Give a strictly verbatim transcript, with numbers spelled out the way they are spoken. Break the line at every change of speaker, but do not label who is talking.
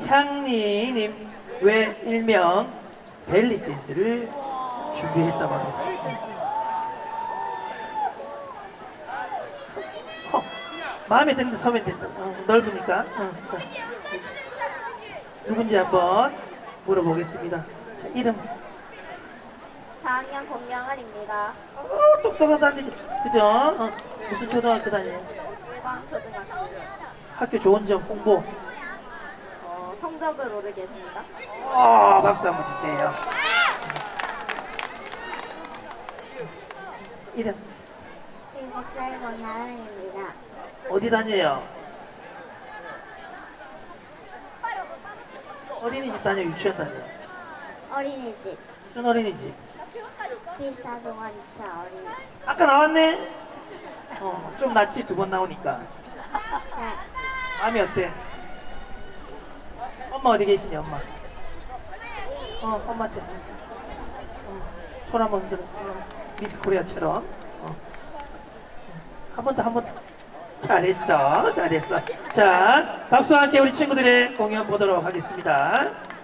향리님 외 일명 벨리 댄스를 준비했다고 합니다. 어, 마음에 드는데 서면 된다. 어, 넓으니까. 어, 자, 누군지 한번 물어보겠습니다. 자, 이름.
사 학년 공명은입니다.
어, 똑똑하다니. 그죠? 어, 무슨 초등학교 다녀요?
일광초등학교.
학교 좋은 점 홍보.
어, 성적을 오르게 해줍니다.
어, 박수 한번 주세요. 이름.
일곱 살 권나은입니다.
어디 다녀요? 어린이집 다녀, 유치원 다녀?
어린이집.
무슨 어린이집?
피스타 동아리차 어린이집.
아까 나왔네? 어, 좀 낫지, 두 번 나오니까.
네.
마음이 어때? 엄마 어디 계시니, 엄마? 어, 엄마한테. 어, 손 한번 흔들어. 어, 미스 코리아처럼. 어. 한 번 더, 한 번 더. 잘했어, 잘했어. 자, 박수와 함께 우리 친구들의 공연 보도록 하겠습니다.